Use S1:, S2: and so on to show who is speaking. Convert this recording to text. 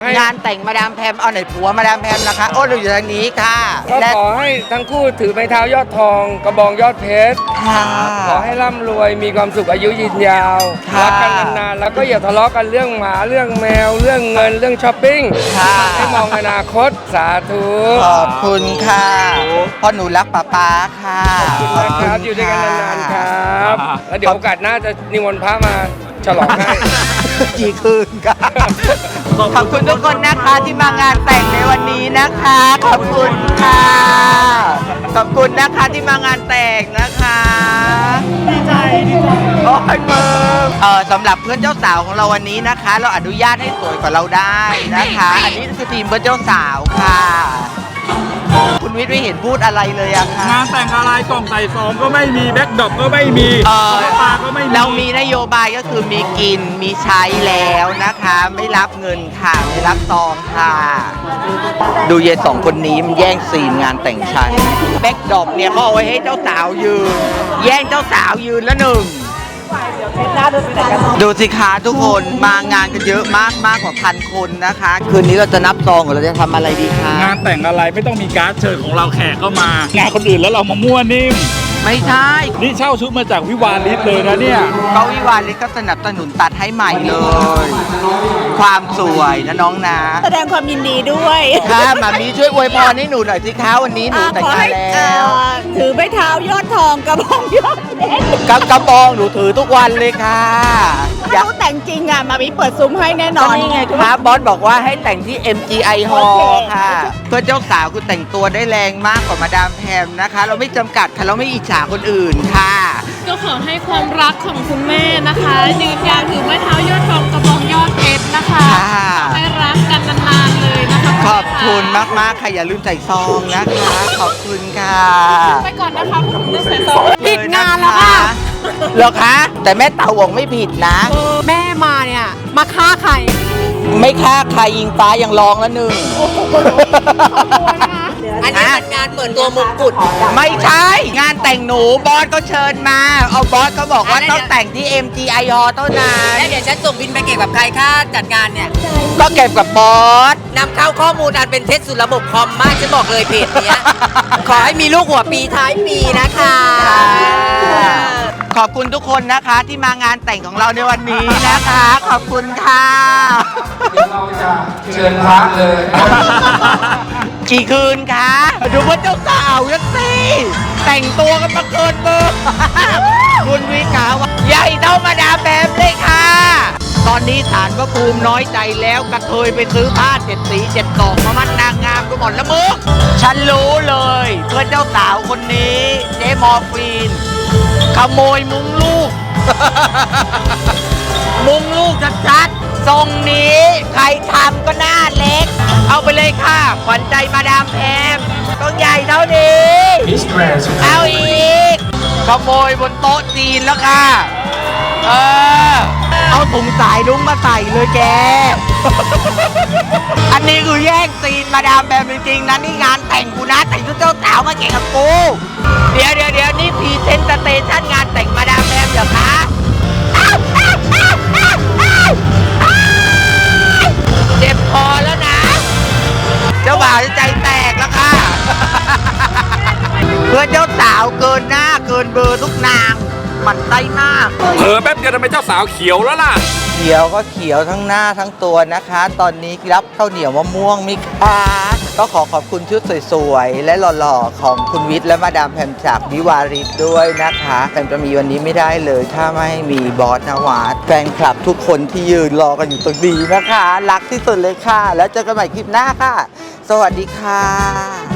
S1: งานแต่งมาดามแพมเอาไหนผัวมาดามแพมนะคะโอ้เราอยู่ทางนี้ค่ะ
S2: ก็ขอให้ทั้งคู่ถือไม้เท้ายอดทองกระบองยอดเพชรขอให้ร่ำรวยมีความสุขอายุยืนยาวรักกันนานๆแล้วก็อย่าทะเลาะกันเรื่องหมาเรื่องแมวเรื่องเงินเรื่องช้อปปิ้งให้มองอนาคตสาธุ
S1: ขอบคุณค่ะพ่อหนูรักป๊าค่ะ
S2: ขอบคุณนะครับอยู่ด้วยกันนานๆครับแล้วเดี๋ยวโอกาสหน้าจะนิมนต์พระมาฉลองให้
S1: กี่คืนค่ะขอบคุณทุกคนนะคะที่มางานแต่งในวันนี้นะคะขอบคุณค่ะขอบคุณนะคะที่มางานแต่งนะคะดีใจโอ้ยมึงสำหรับเพื่อนเจ้าสาวของเราวันนี้นะคะ เราอนุญาตให้สวยกว่าเราได้นะคะอันนี้คือทีมเพื่อนเจ้าสาวค่ะคุณวิทย์ไม่เห็นพูดอะไรเลยอะค่ะ
S3: งานแต่งอะไรกล่องใส่ซองก็ไม่มีแบ็คดรอปก็ไม่มีปลาก็ไม่มี
S1: เรามีนโยบายก็คือมีกินมีใช้แล้วนะคะไม่รับเงินค่ะไม่รับซองค่ะดูเย็นสองคนนี้มันแย่งซีนงานแต่งฉันแบ็คดรอปเนี่ยเขาเอาไว้ให้เจ้าสาวยืนแย่งเจ้าสาวยืนแล้วหนึ่งดูสิคะทุกคนมางานกันเยอะมากกว่า1,000 คนนะคะคืนนี้เราจะนับซองหรือเราจะทำอะไรดีคะ
S3: งานแต่งอะไรไม่ต้องมีการ์ดเชิญของเราแขกก็มางานคนอื่นแล้วเรามามั่วนิ่ม
S1: ไม่ใช่
S3: นี่เช่าชุดมาจากวิวาลิศเลยนะเนี่ย
S1: ก็วิวาลิศก็สนับสนุนตัดให้ใหม่เลยความสวยนะน้องนะ
S4: แสดงความยินดีด้วย
S1: ค่ะมามีช่วยอวยพรให้หนูหน่อยสิคะวันนี้หนูแต่งงานแล้ว
S4: ถือไม้เท้ายอดทองกระบองยอดเพชร
S1: กระบองหนูถือทุกวันเลยค่ะ
S4: อยากแต่งจริงอ่ะมามีเปิดซุ้มให้แน่นอน
S1: นี่ไงครับบอสบอกว่าให้แต่งที่ MGI Hall ค่ะเพื่อเจ้าสาวคุณแต่งตัวได้แรงมากกว่ามาดามแพมนะคะเราไม่จำกัดค่ะเราไม่อิจฉาคนอื่นค่ะ
S5: ก็ขอให้ความรักของคุณแม่นะคะยืนยาวถือไม้เท้ายอดทองกระบองยอดเพชรนะคะให้รักกันนานๆเลยนะคะ
S1: ขอบคุณมากๆค่ะอย่าลืมใส่ซองนะคะขอบคุณค่ะ
S5: ไปก่อนนะคะคุณลืมใส่ซอง
S4: ผิดงานแล้วค่ะ
S1: เหรอคะแต่แม่เต่าหวงไม่ผิดนะ
S4: แม่มาเนี่ยมาฆ่าใคร
S1: ไม่ฆ่าใครยิงฟ้ายังร้องแล้วหนึ่ง
S4: อันนี้เป็นงานเปิดตัวมงกุฎ
S1: ไม่ใช่งานแต่งหนูบอสก็เชิญมาเอาบอสเขาบอกว่าต้องแต่งที่ MGI Hall เท่านั้น
S4: แล้วเดี๋ยวฉันส่งบินไปเก็บกับใครค่าจัดงานเนี่ย
S1: ก็เก็บกับบอส
S4: นำเข้าข้อมูลอันเป็นเท็จสู่ระบบคอมมากฉันบอกเลยเพจเนี้ยขอให้มีลูกหัวปีท้ายปีนะคะ
S1: ขอบคุณทุกคนนะคะที่มางานแต่งของเราในวันนี้นะคะขอบคุณค่ะ
S2: เดี๋ยวเราจะเชิญพระเลย
S1: กี่คืนคะดูว่าเจ้าสาวยังสิแต่งตัวกันมาเกินเบอร์คุณวิกาว่าใหญ่เท่ามาดามแพมเลยค่ะตอนนี้ศาลพระภูมิน้อยใจแล้วกระเทยไปซื้อผ้า7 สี 7 ดอกมามัดนางงามกันหมดแล้วมึงฉันรู้เลยเพื่อนเจ้าสาวคนนี้เจมอร์ฟีนขโมยมุ้งลูก มุ้งลูกชัดๆทรงนี้ใครทำก็หน้าเล็กเอาไปเลยค่ะขวัญใจมาดามแพมต้องใหญ่เท่านี้เอาอีกขโมยบนโต๊ะจีนแล้วค่ะเอาถุงสายรุ้งมาใส่เลยแก อันนี้คือแย่งซีนมาดามแพมจริงๆนะนี่งานแต่งกูนะแต่งชุดเจ้าสาวมาแข่งกับกูเดี๋ยวนี่พรีเซนต์สเตชันงานแต่งมาดามแพมเหรอคะเจ็บคอแล้วนะเจ้าบ่าวใจแตกแล้วค่ะเพื่อนเจ้าสาวเกินหน้าเกินเบอร์ทุกนางมันไส้มาก
S3: เผลอแป๊บเดียวทำไมเจ้าสาวเขียวแล้วล่ะ
S1: เขียวก็เขียวทั้งหน้าทั้งตัวนะคะตอนนี้รับข้าวเหนียวมะม่วงมิคะก็ขอบคุณชุดสวยๆและหล่อๆของคุณวิทย์และมาดามแพมจากวิวาริศด้วยนะคะแต่จะมีวันนี้ไม่ได้เลยถ้าไม่มีบอสนวัดแฟนคลับทุกคนที่ยืนรอกันอยู่ตรงนี้นะคะรักที่สุดเลยค่ะแล้วเจอกันใหม่คลิปหน้าค่ะสวัสดีค่ะ